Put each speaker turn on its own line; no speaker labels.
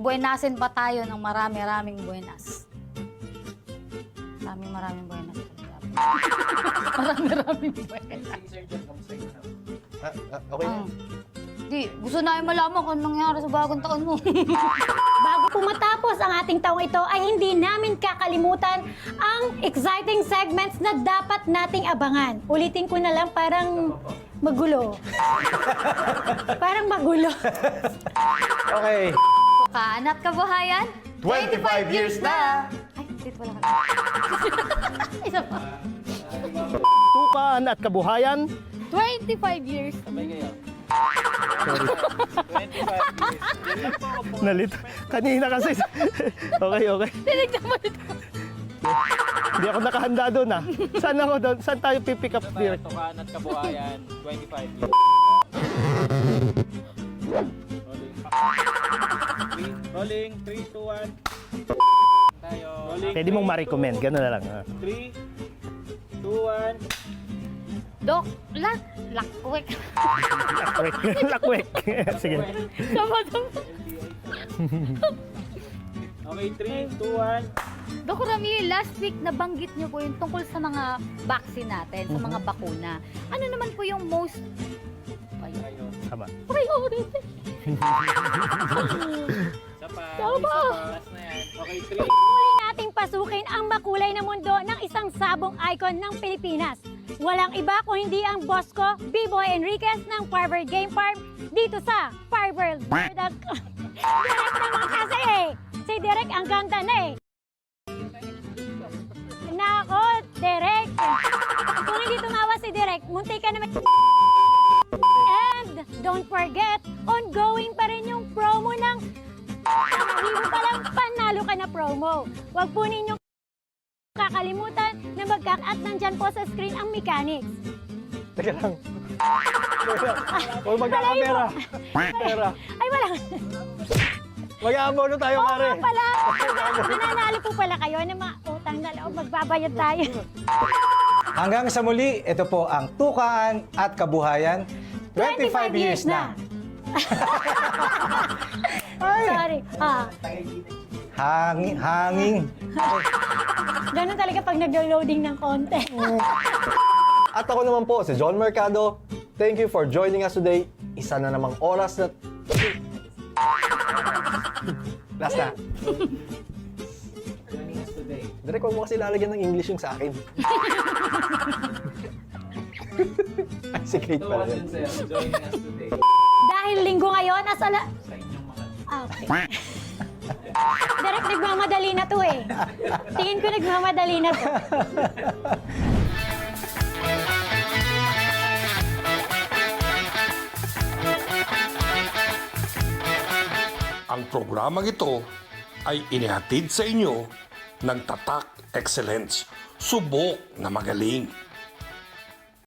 buenasin pa tayo ng marami-raming buenas. Maraming buenas. Marami-raming buenas.
Okay na.
Di, gusto namin malaman kung anong nangyari sa bagong taon mo.
Bago po matapos ang ating taong ito ay hindi namin kakalimutan ang exciting segments na dapat nating abangan. Ulitin ko na lang, parang magulo. Parang magulo.
Okay.
Tukaan at kabuhayan,
25 years na!
Ay, dito wala ka. Isa pa.
Tukaan at kabuhayan.
25 years.
Nalito. Kanina kasi. Okay.
Tinignan mo ito.
Hindi ako nakahanda doon ah. Saan ako doon? Saan tayo pipick up direct?
Tukaan at kabuhayan, 25 years. Rolling, 3, 2, 1. Tayo. Rolling,
Pwede mong ma-recommend. Gano'n na lang.
3, 2, 1.
Dok, lakwek.
Lakwek. Lakwek. Sige.
Sama-sama.
Okay, 3, 2, 1.
Dok Ramil, last week nabanggit niyo po yung tungkol sa mga vaccine natin, sa mga bakuna. Ano naman po yung most...
Tama.
Priority.
Isa pa.
Tama.
Last na yan. Okay, 3.
Muli nating pasukin ang makulay na mundo ng isang sabong icon ng Pilipinas. Walang iba kung hindi ang boss ko, B-Boy Enriquez ng Firebird Game Farm dito sa Firebird. Direct naman kasi eh. Si Direk ang ganda na eh. Nako, Direk. Kung hindi tumawa si Direk, munti ka naman. And don't forget, ongoing pa rin yung promo ng Panahiro pa lang, panalo ka na promo. Huwag po ninyong kakalimutan na at nandyan po sa screen ang mechanics.
Teka lang. Huwag magkakamera. Pera.
Ay, wala.
Mag-aabono tayo,
Oo
pare.
nga pala. Nananalo po pala kayo ng mga utang na loob. Magbabayad tayo.
Hanggang sa muli, ito po ang Tukaan at Kabuhayan. 25 years na.
Sorry.
Hanging.
Ganun talaga pag nag-loading ng content.
At ako naman po, si John Mercado. Thank you for joining us today. Isa na namang oras na... Last na. Direk, huwag mo kasi lalagyan ng English yung sa akin. Ay, secret pala yun.
Joining us today.
Dahil linggo ngayon, okay. Direct nagmamadali na to eh. Tingin ko nagmamadali na to.
Ang programang ito ay inihatid sa inyo ng Tatak Excellence. Subok na magaling.